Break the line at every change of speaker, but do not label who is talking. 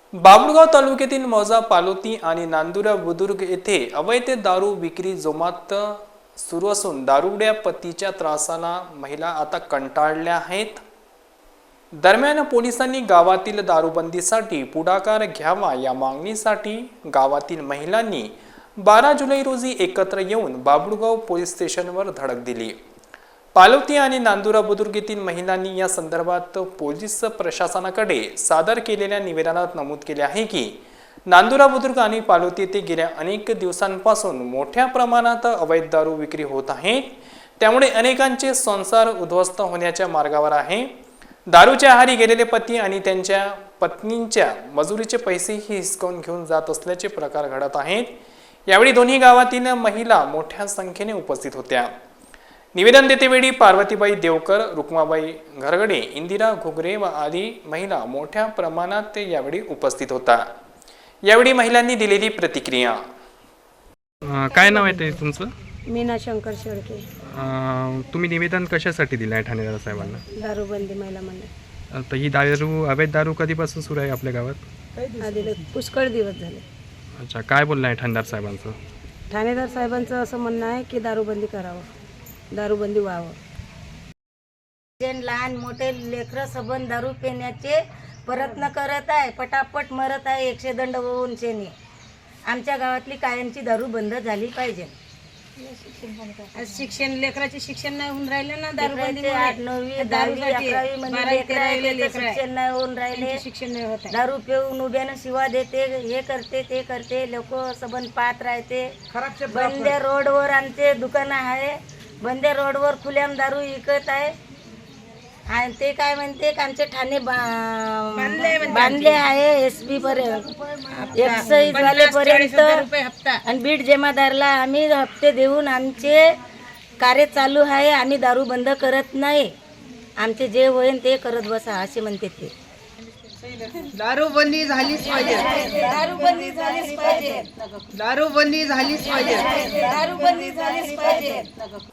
बाभुळगाव तालुक्यातील मौजा पालोती आणि नांदुरा बुद्रुक येथे अवैध दारू विक्री जोमात सुरू असून दारुड्या पतीच्या त्रासाला महिला आता कंटाळल्या आहेत। दरम्यान पोलिसांनी गावातील दारूबंदीसाठी पुढाकार घ्यावा या मागणीसाठी गावातील महिलांनी 12 जुलै रोजी एकत्र येऊन बाभुळगाव पोलीस स्टेशनवर धडक दिली। पालोती आणि नांदुरा बुद्रुक येथील महिलांनी या संदर्भात पोलीस प्रशासनाकडे सादर केलेल्या निवेदनात नमूद केले आहे की नांदुरा बुद्रुक आणि पालोती येथे गेल्या अनेक दिवसांपासून मोठ्या प्रमाणात अवैध दारू विक्री होत आहे। त्यामुळे अनेकांचे संसार उद्ध्वस्त होण्याच्या मार्गावर आहे। दारूच्या आहारी गेलेले पती आणि त्यांच्या पत्नींच्या मजुरीचे पैसेही हिसकावून घेऊन जात असल्याचे प्रकार घडत आहेत। यावेळी दोन्ही गावातील महिला मोठ्या संख्येने उपस्थित होत्या। निवेदन देतेवेळी पार्वतीबाई देवकर, रुक्माबाई घरगडे, इंदिरा घुगरे व आदी महिला मोठ्या प्रमाणात यावेळी उपस्थित होता। यावेळी महिलांनी दिलेली प्रतिक्रिया।
काय नाव आहे ते तुमचं?
मीना शंकर शेळके।
तुम्ही निवेदन कशासाठी दिलं आहे ठाणेदार साहेबांना?
दारूबंदी महिला मंडळ।
तर ही अवैध दारू कधीपासून सुरू आहे आपल्या गावात?
आधी पुष्कळ दिवस झाले।
अच्छा, काय बोलणं आहे ठाणेदार साहेबांचं?
ठाणेदार साहेबांचं असं म्हणणं आहे की दारूबंदी करावं, दारूबंदी व्हावं।
लहान मोठे लेकरं सबन दारू पिण्याचे प्रयत्न करत आहे, पटापट मरत आहे 100 दंड होऊन शेनी। आमच्या गावातली कायमची दारू बंद झाली पाहिजे।
शिक्षण लेकराचे शिक्षण नाही होऊन राहिले ना, दारूबंदी
8, 9, 10, 11 मध्ये शिक्षण नाही होऊन राहिले,
शिक्षण नाही होत।
दारू पिऊन उभ्यानं शिवा देते, हे करते ते करते, लोक सबन पाहत राहते। बंदे रोडवर आमचे दुकान आहे, बंदे रोडवर खुल्याम दारू विकत आहे। आणि ते काय म्हणते आमचे ठाणे बांधले आहे एसपी पर्यंत, एक्साईज वालेपर्यंत आणि बीड जमादारला आम्ही हप्ते देऊन आमचे कार्य चालू आहे। आम्ही दारू बंद करत नाही, आमचे जे होईल ते करत बसा असे म्हणते ते।
दारूबंदी झालीच पाहिजे,
दारूबंदी झालीच पाहिजे,
दारूबंदी झालीच पाहिजे,
दारूबंदी झालीच पाहिजे।